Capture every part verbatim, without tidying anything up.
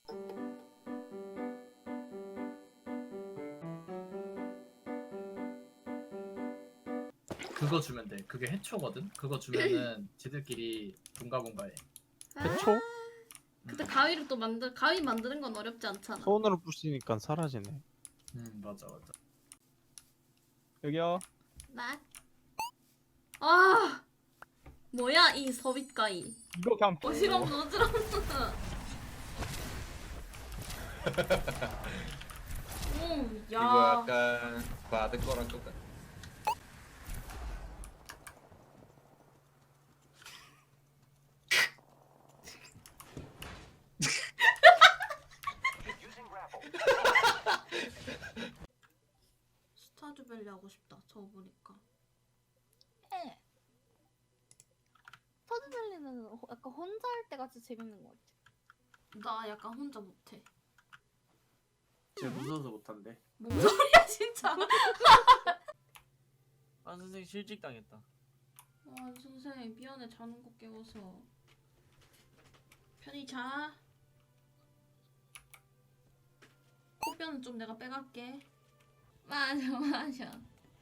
그거 주면 돼. 그게 해초거든. 그거 주면은 지들끼리 bun가bun가해. 해초? 아, 근데 가위를 또 만들 가위 만드는 건 어렵지 않잖아. 손으로 부시니까 사라지네. 음 맞아 맞아. 여기요. 나. 아 뭐야 이 서빗가위. 이거 그냥 어지럽는 어지럽는. 오, 이거 야. 약간 바드 거랑 똑같아. 스타듀밸리 하고 싶다. 저거 보니까. 네. 스타듀밸리는 호- 약간 혼자 할 때 같이 재밌는 것 같아. 나 약간 혼자 못해. 쟤 무서워서 못한대. 뭔 소리야 진짜. 아 선생 실직 당했다. 와 선생님 미안해 자는 거 깨워서. 편히 자. 코뼈는 좀 내가 빼갈게. 맞아 맞아.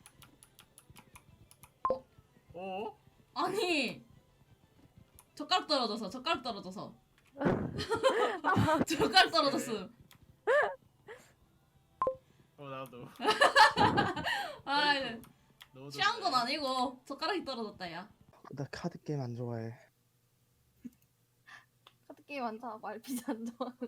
어? 아니 젓가락 떨어져서 젓가락 떨어져서 젓가락 떨어졌어. 어 나도. 아 이제 너도 취한 건 아니고 젓가락이 떨어졌다 야. 나 카드 게임 안 좋아해. 카드 게임 안 좋아하고 알피지 안 좋아하고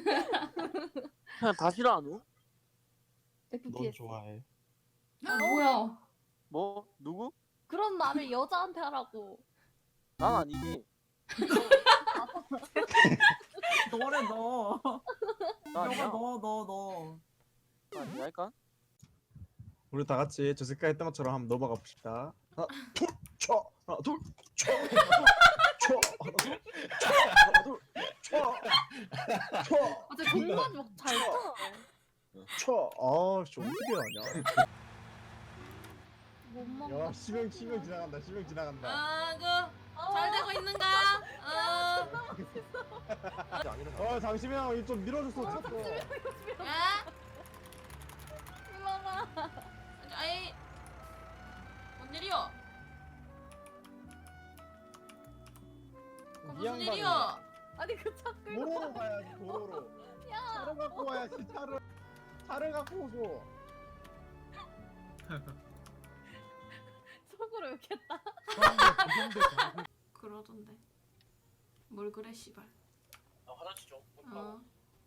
그냥 다 싫어하노? 넌 에프피에스. 좋아해. 아 뭐야? 뭐? 누구? 그런 말을 여자한테 하라고. 난 아니지. 너래 너. 나 아니야. 너가 너 너 너. 나 아니야 할까? 우리 다 같이 저 색깔 했던 것처럼 한번 넘어가 봅시다. 하나, 둘, 쳐, 하나, 둘, 쳐, 하나, 둘, 쳐, 하나, 둘, 쳐, 하나, 둘, 쳐, 쳐, 아, 진짜 존나 막잘 쳐. 쳐. 아, 씨 어떻게 하냐? 못 먹어. 야, 시명 시명 지나간다. 시명 지나간다. 아그잘 되고 있는가? 아 어, 잠시만, 이좀 밀어줬어. 자꾸. 야? 일로와. 아이 뭔 일이여? 그 이 무슨 양반이 일이여? 아니 그 차 끌고. 도로로 가야지. 도로로. 야. 차를 갖고 와야지. 차를 차를 갖고 오소. 속으로 욕했다. 그러던데. 뭘 그래 씨발. 나 화장실 좀. 어.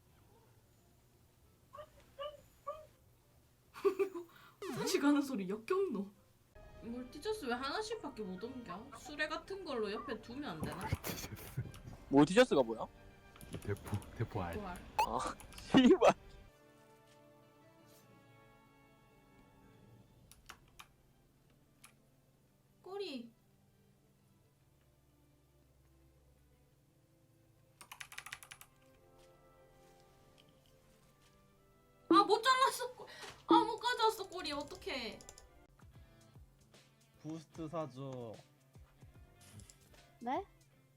화장실 가는 소리 역겹노. 멀티저스 왜 하나씩밖에 못 옮겨? 수레 같은 걸로 옆에 두면 안 되나? 몰티저스가 뭐야? 대포 대포 알. 부활. 아 씨발. 꼬리. 아 못 잘랐어. 아 못 가져왔어 꼬리 어떡해. 부스트 사줘. 네?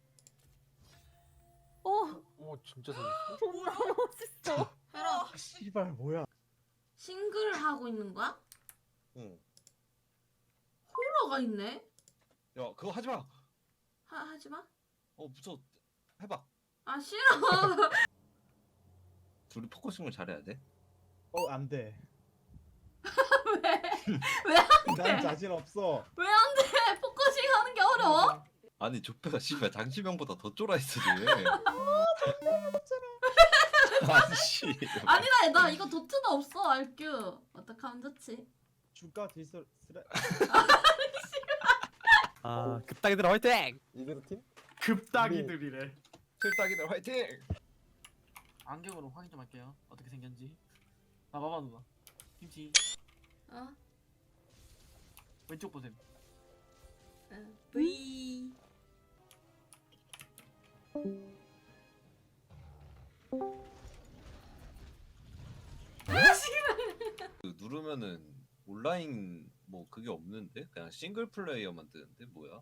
오 오 진짜 재밌어. 존나 멋있어. 해라. 아, 씨발 뭐야? 싱글 하고 있는 거야? 응. 호러가 있네. 야 그거 하지 마. 하 하지 마. 어 무서워. 해봐. 아 싫어. 둘이 포커싱을 잘해야 돼. 어, 안 돼. 왜? 왜 안 난 돼? 자신 없어. 왜 안 돼? 포커싱 하는 게 어려워? 아니 조페가 씨발 장시명보다 더 쫄아 있어 쟤. 아니 씨. 아니다 나 이거 도트도 없어 알규. 어떡하면 좋지? 주가 딜스 스레. 아 급딱이들 화이팅! 이그르 팀? 급딱이들이래. 틀딱이들 화이팅. 안경으로 확인 좀 할게요. 어떻게 생겼는지. 아 봐봐 누나. 김치 어? 왼쪽 보셈. 어. V. 그 누르면은 온라인 뭐 그게 없는데 그냥 싱글 플레이어만 뜨는데 뭐야?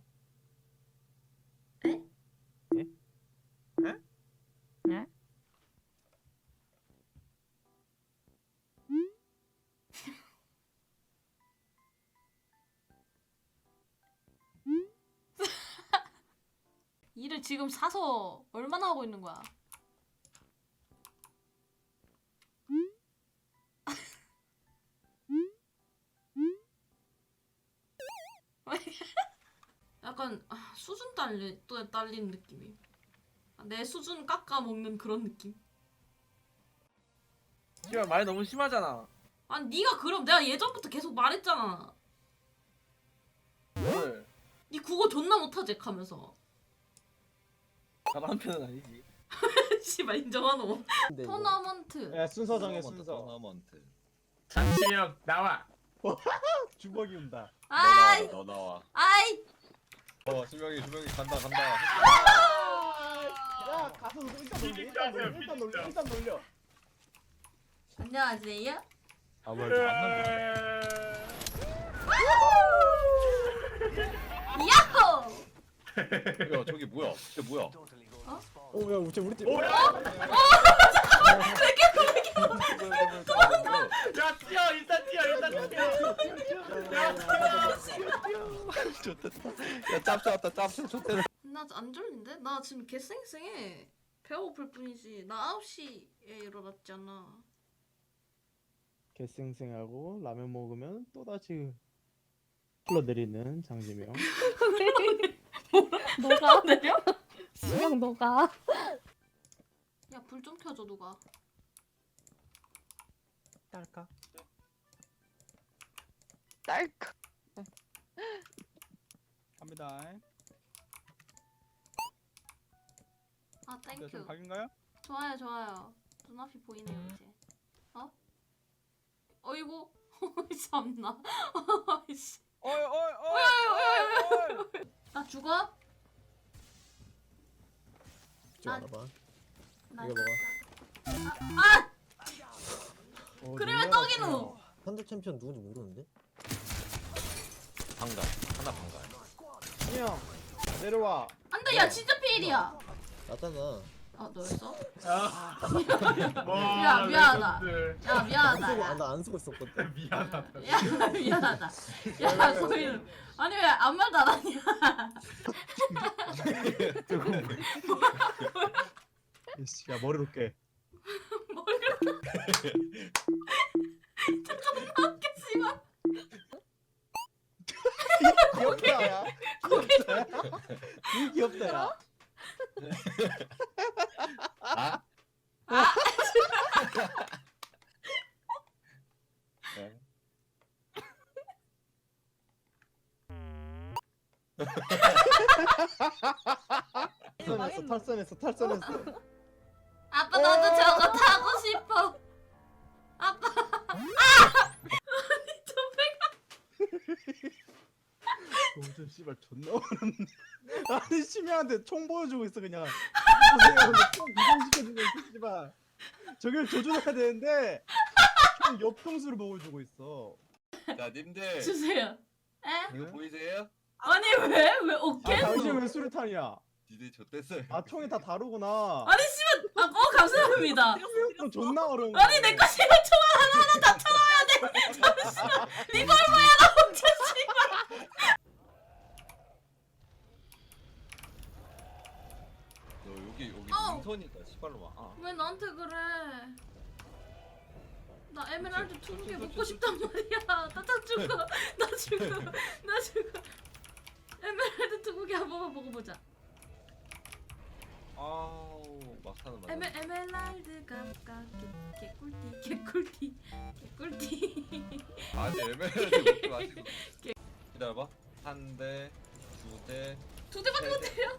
일을 지금 사서 얼마나 하고 있는 거야? 약간 아, 수준 딸리 또 딸리는 느낌이. 내 수준 깎아 먹는 그런 느낌. 씨발 말 너무 심하잖아. 아니 네가 그럼 내가 예전부터 계속 말했잖아. 뭘? 네 국어 존나 못하지 하면서. 잘하는 편은 아니지. 씨발 인정하노. 토너먼트. 야 순서 정해 순서. 토너먼트. 장치력 나와. 주먹이 온다. 아이 너 나와. 아이. 어 수명이 수명이 간다 간다. 야 가서 일단 놀려 일단 놀려 일단 놀려 일단 놀려. 안녕하세요. 아 뭐야 이거 안 나네. 야호. 야 저기 뭐야? 쟤 뭐야? 오야 우리 우리 팀. 야 뛰어 일단 뛰어 일단 뛰어. 야 짭새 왔다 짭새 좋대. 나 안 졸린데? 나 지금 개쌩쌩해. 배고플 뿐이지. 나 아홉 시에 일어났잖아. 개쌩쌩하고 라면 먹으면 또다시 흘러내리는 장지명. 너가 내려? 수영 너가. 야 불 좀 켜줘 누가. 딸까? 딸까. 갑니다. 아 땡큐. 각인가요? 좋아요 좋아요. 눈앞이 보이네요 이제. 어? 어이구. 참나. 아이씨. 어이 어이 어이 어이. 나 죽어? 좀 알아봐. 나 이거 죽어. 아! 어, 그러면 떡이노. 현대 챔피언 누군지 모르는데? 방가 하나 방가. 형 내려와. 안돼 야 진짜 피일이야. 나잖아. 아 너였어? 야 야, 미안하다. 야 미안하다. 야. 나 안 쓰고 있었거든. 미안하다. 야 미안하다. 야 거기는 아니 왜 아무 말도 안 하냐? 야 머리로 깨. 머리를 존나 웃겨 씨발. 귀엽다 야. 이 귀엽다 야. 아? 아 네. 탈선했어 탈선했어 탈선했어. 아빠 나도 저거 타고 싶어. 아빠. 아! 아니 저 배가. 동준 씨발 존나 어렵네. 아니 심야한테 총 보여주고 있어 그냥. 보세요 총 이동시켜주고 있어 씨발. 저길 조준해야 되는데 총 옆통수를 보여주고 있어. 자 님들 주세요. 에? 이거 보이세요? 아니 왜? 왜 아 어깨? 당신 왜 수류탄이야? 니들 좆됐어요. 아 총이 다 다르구나. 아니 씨발. 아, 어 감사합니다. 또 존나 어려운. 아니 내거 씨발 총알 하나하나 다 쳐넣어야 돼. 잠시만. 리볼버야 나 혼자 씨발. 너 여기 여기 어. 윈터니까 씨발로 와. 아. 왜 나한테 그래? 나 에메랄드 두 개 먹고 싶단 말이야. 나 다 죽어. 나 죽어. 나 죽어. 에메랄드 두 개 한 번만 먹어보자. 아우 막타는 맞아. 에메 에메랄드 값값 개꿀띠 개꿀띠 개꿀띠. 아니 에메랄드 먹지 마시고. 기다려봐. 한 대, 두 대. 두 대밖에 못 때려?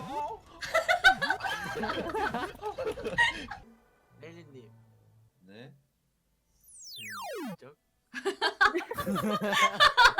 멜리님. 네. 슬쩍.